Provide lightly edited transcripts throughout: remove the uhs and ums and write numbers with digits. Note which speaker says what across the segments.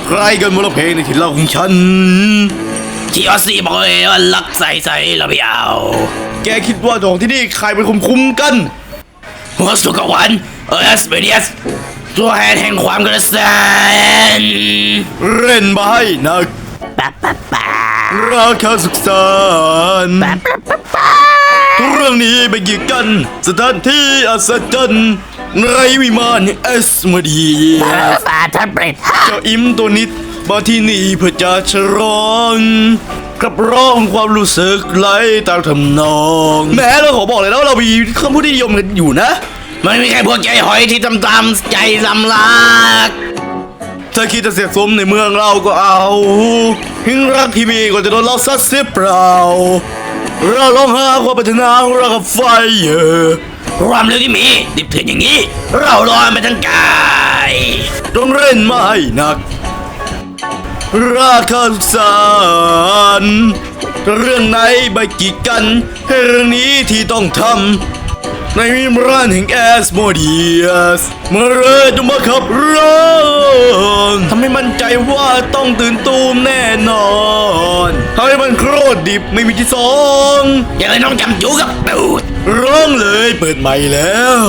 Speaker 1: ใครกันมาร้องเพลงในถิ่นเราของฉันที่ออสซี่บอกเลยว่ารักใส่เราไม่เอาแกคิดว่าของที่นี่ใครเป็นคุมกันหัวสุกวันเอสเบเดียสตัวแทนแห่งความกระแสนเล่นมาให้นักราคาสุขสันต์เรื่องนี้ไปกี่กันสถานที่อัศจรรย์ในวิมานเอสมาดีเจ้าอิมตัวนิดมาที่นี่เพื่อจะฉลองกับร้องความรู้สึกไหลตามทำนองแม้เราขอบอกเลยแล้วเรามีคำพูดที่นิยมกันอยู่นะมันไม่ใช่พวกใจหอยที่ตามใจลำลากถ้าคิดจะเสียสมในเมืองเราก็เอาหิ้งรักที่มีก็จะโดนเราซัดเสียเปล่าเราลองหาความปรารถนาของเรากับไฟความเร็วที่มีดิบเถื่อนอย่างนี้เราลอยไปทั้งกายต้องเล่นไม่หนักราคาสารเรื่องไหนใบกีดกันให้เรื่องนี้ที่ต้องทำในวิมานแห่งแอสโมเดียสเมื่อเริ่มมาขับร้องทำให้มั่นใจว่าต้องตื่นตูมแน่นอนทำให้มันโคตรดิบไม่มีที่สองอย่างไรน้องจำจูกับตูดร้องเลยเปิดใหม่แล้ว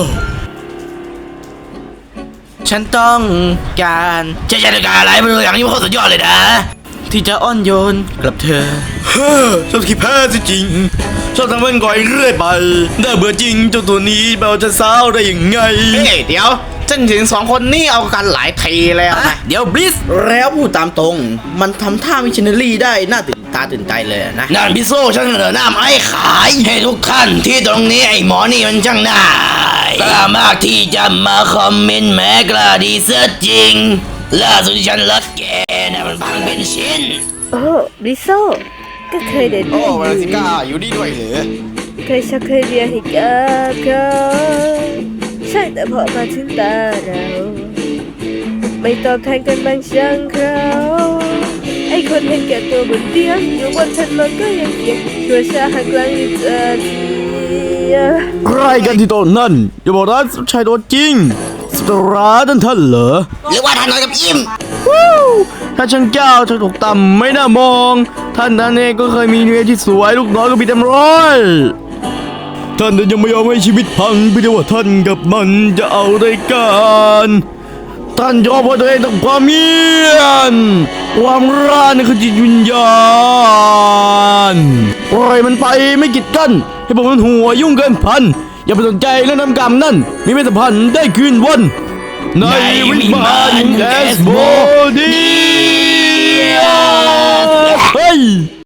Speaker 1: ฉันต้องการจะการอะไรไม่รู้อย่างนี้มันโคตรสุดยอดเลยนะที่จะอ้อนโยนกับเธอชอบขี้แพ้สิจริงชอบทำมันก่อยเรื่อยไปได้เบื่อจริงเจ้าตัวนี้เบาจะสาวได้ยังไง
Speaker 2: เดี๋ยวฉันถึง2 คนนี่เอากันหลายทีแล้วนะ
Speaker 1: เดี๋ยวบลิส
Speaker 2: แล้วพูดตามตรงมันทำท่ามิชชันนารีได้น่าตื่นตาตื่นใจเลยนะ
Speaker 1: นั่นพิโซ่ฉันเหลือหน้าไม้ขายให้ทุกท่านที่ตรงนี้ไอ้หมอนี่มันช่างน่ากล้ามากที่จะมาคอมเมนต์แม้กล้าดีเสียจริงล่าสุดที่ฉันรักแกนะมันพังเป็นชิ้น
Speaker 3: โอ้ริโซก็เคยเด็ด
Speaker 1: โอ้เวลาสิก้าอยู่ดีด้วยเหรอ
Speaker 3: เคยเรียนให้กับเขาใช่แต่พอมาถึงตาเราไม่ตอบแทนกันบางช่างเขาไอ้คนเห็นแก่ตัวบนเตียงอยู่บนถนนก็ยังเก็บชัวชาหักหลังอยู่เจอที
Speaker 1: ใครกันที่โต๊ะนั่นอย่าบอกนะชายตัวจริงสตราดันท่านเหรอ
Speaker 2: หรือว่าท่านน้อยกับอิม
Speaker 1: ถ้าช่างเจ้าจะถูกต่ำไม่น่ามองท่านเองก็เคยมีเมียที่สวยลูกน้อยก็มีเต็มร้อยท่านยังไม่ยอมให้ชีวิตพังไปด้วยว่าท่านกับมันจะเอาได้กันท่านยอมว่าตัวเองต้องความเมียนความร้านคือจิตวิญญาณปล่อยมันไปไม่กีดกันให้ผมมันหัวยุ่งเกินพันอย่าไปสนใจเรื่องน้ำกรรมนั่นมีไม่สัมพันธ์ได้คืนวันในวิมานแอสโมเดียสเฮ้ย